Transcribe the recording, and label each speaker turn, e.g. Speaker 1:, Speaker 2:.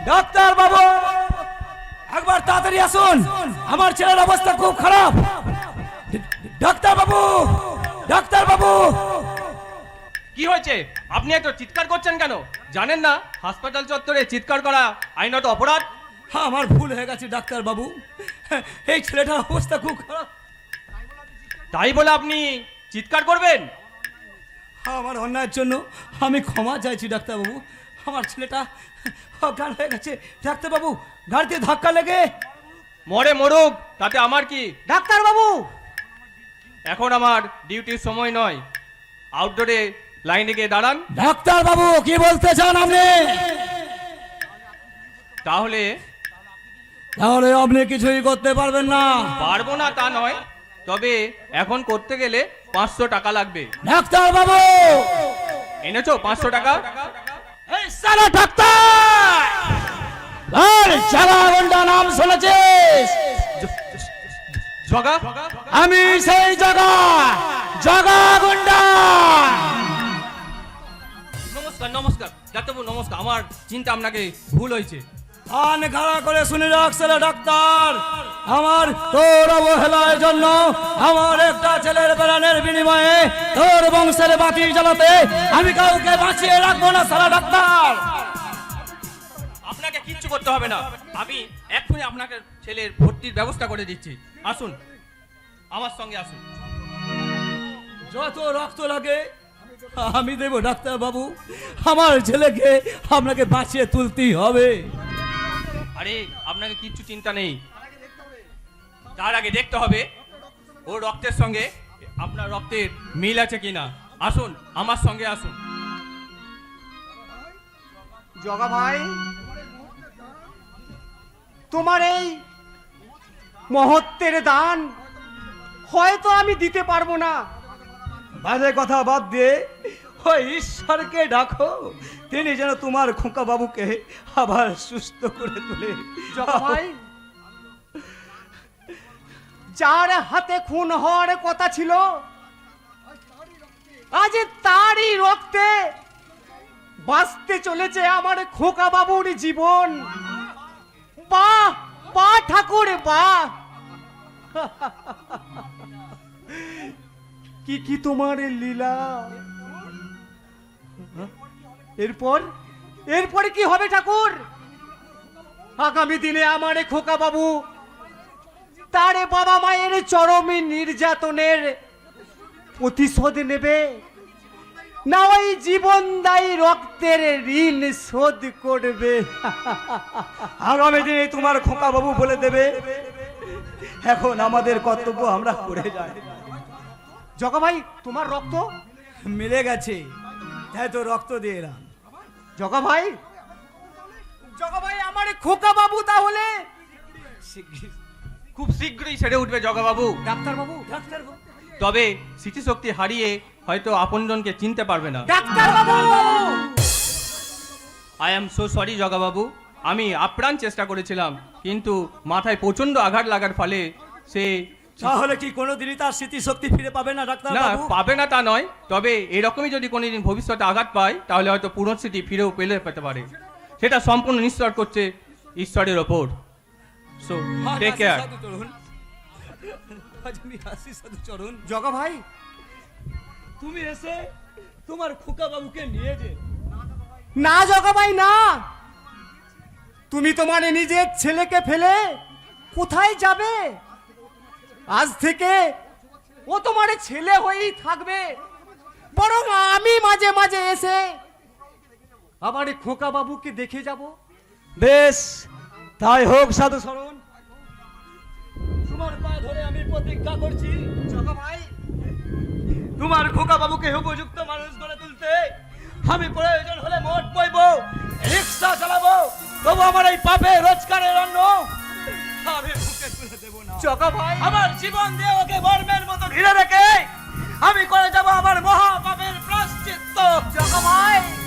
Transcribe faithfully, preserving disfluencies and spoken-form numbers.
Speaker 1: Doctor বাবু একবার তাড়াতাড়ি আসুন, আমার ছেলের অবস্থা খুব খারাপ। ডাক্তার বাবু, ডাক্তার বাবু।
Speaker 2: কি হয়েছে? আপনি এত চিৎকার করছেন কেন? জানেন না হাসপাতাল চত্বরে চিৎকার করা আইনত অপরাধ?
Speaker 1: হ্যাঁ, আমার ভুল হয়ে গেছে ডাক্তার বাবু, এই ছেলেটার অবস্থা খুব খারাপ।
Speaker 2: তাই বলে আপনি চিৎকার করবেন?
Speaker 1: আমার অন্যায়ের জন্য আমি ক্ষমা চাইছি ডাক্তার বাবু। আমার ছেলেটা অজ্ঞান হয়ে গেছে ডাক্তার বাবু, গাড়িতে ধাক্কা লেগে।
Speaker 2: মরে মরুক, তাতে আমার কি?
Speaker 1: ডাক্তার বাবু,
Speaker 2: এখন আমার ডিউটির সময় নয়, আউটডোরে লাইনে গিয়ে দাঁড়ান।
Speaker 1: ডাক্তার বাবু কি বলতে চান আপনি?
Speaker 2: তাহলে
Speaker 1: তাহলে আপনি কিছুই করতে পারবেন না।
Speaker 2: পারবো না তা নয়, তবে এখন করতে গেলে পাঁচশো টাকা লাগবে।
Speaker 1: ডাক্তার বাবু,
Speaker 2: এনেছো পাঁচশো টাকা?
Speaker 1: এই সারা ডাক্তার, আর জাগা গুন্ডা নাম শুনেছিস?
Speaker 2: জগা?
Speaker 1: আমি সেই জাগা, জাগা গুন্ডা।
Speaker 2: নমস্কার নমস্কার ডাক্তারবাবু, নমস্কার। আমার চিন্তা আপনাকে ভুল হয়েছে।
Speaker 1: কান খাড়া করে শুনে রাখছে ডাক্তার, আমার তোর অবহেলার জন্য আমার একটা ছেলের প্রাণের বিনিময়ে তোর বংশের বাতি জ্বালাতে আমি কাউকে বাঁচিয়ে রাখবো না সারা ডাক্তার।
Speaker 2: আপনাকে কিচ্ছু করতে হবে না, আমি এক্ষুনি আপনাকে ছেলের ভর্তির ব্যবস্থা করে দিচ্ছি। আসুন, আমার সঙ্গে আসুন।
Speaker 1: যত রক্ত লাগে আমি দেব ডাক্তার বাবু, আমার ছেলেকে আপনাকে বাঁচিয়ে তুলতেই হবে।
Speaker 2: আরে আপনাকে কিচ্ছু চিন্তা নেই, তার আগে দেখতে হবে ওর রক্তের সঙ্গে আপনার রক্তের মিল আছে কিনা। আসুন, আমার সঙ্গে আসুন।
Speaker 3: জগা ভাই, তোমার এই মহত্বের দান হয়তো আমি দিতে পারবো না।
Speaker 1: বাজে কথা বাদ দিয়ে ওই ঈশ্বরকে ডাকো, তিনি যেন তোমার খোকা বাবুকে আবার সুস্থ করে তোলে।
Speaker 3: জগা ভাই, যার হাতে খুন হওয়ার কথা ছিল আজ তারই রক্তে বাঁচতে চলেছে আমার খোকা বাবুর জীবন। বাহ বাহ ঠাকুর বাহ, কি কি তোমার লীলা। এরপর এরপরে কি হবে ঠাকুর? আগামী দিনে আমার খোকা বাবু তার বাবা মায়ের চরমী নির্যাতনের প্রতিশোধ নেবে, না ওই জীবনদায়ী রক্তের ঋণ শোধ করবে?
Speaker 1: আগামী দিনে তোমার খোকা বাবু বলে দেবে, এখন আমাদের কর্তব্য আমরা করে যাই।
Speaker 3: জগা ভাই, তোমার রক্ত
Speaker 1: মিলে গেছে, তাই তো রক্ত দিয়ে এলাম।
Speaker 3: জগা ভাই, জগা ভাই আমার খোকা বাবু তাহলে
Speaker 2: খুব শীঘ্রই সেরে উঠবে জগাবাবু।
Speaker 3: ডাক্তার বাবু,
Speaker 1: ডাক্তার বাবু,
Speaker 2: তবে স্মৃতিশক্তি হারিয়ে হয়তো আপনজনকে চিনতে পারবে না।
Speaker 3: ডাক্তার বাবু,
Speaker 2: I am so sorry Jagababu, আমি আপ্রাণ চেষ্টা করেছিলাম, কিন্তু মাথায় প্রচন্ড আঘাত লাগার ফলে সে
Speaker 1: তাহলে কি কোনোদিনই তার স্মৃতিশক্তি ফিরে পাবে না ডাক্তার
Speaker 2: না
Speaker 1: বাবু?
Speaker 2: পাবে না তা নয়, তবে এরকমই যদি কোনোদিন ভবিষ্যতে আঘাত পায় তাহলে হয়তো পুরো স্মৃতি ফিরেও পেলে পেতে পারে। সেটা সম্পূর্ণ নিশ্চয় করছে ঈশ্বরের ওপর। So take care.
Speaker 3: জগা ভাই,
Speaker 1: তুমি এসে তোমার খোকা বাবুকে নিয়ে যে।
Speaker 3: না জগা ভাই না, তুমি তোমার নিজের ছেলেকে ফেলে কোথায় যাবে? আজ থেকে ও তোমার ছেলে হয়েই থাকবে, বরং আমি মাঝে মাঝে এসে আমার খোকা বাবুকে দেখে যাব।
Speaker 1: বেশ, তাই হোক সাধু শরণ, তোমার পায়ে ধরে আমি প্রতিজ্ঞা করছি
Speaker 3: জগা ভাই,
Speaker 1: তোমার খোকা বাবুকে উপযুক্ত মানুষ গড়ে তুলতে আমি প্রয়োজন হলে মোট বইব, রিক্সা চালাবো, তবু আমার এই পাপে রোজগারের অন্ন আমি বুকে তুলে দেব না।
Speaker 3: জগা ভাই,
Speaker 1: আমার জীবন দিয়ে ওকে বর্মের মতো ঘিরে রেখে আমি করে যাব আমার মহা পাপের প্রায়শ্চিত্ত।
Speaker 3: জগা ভাই,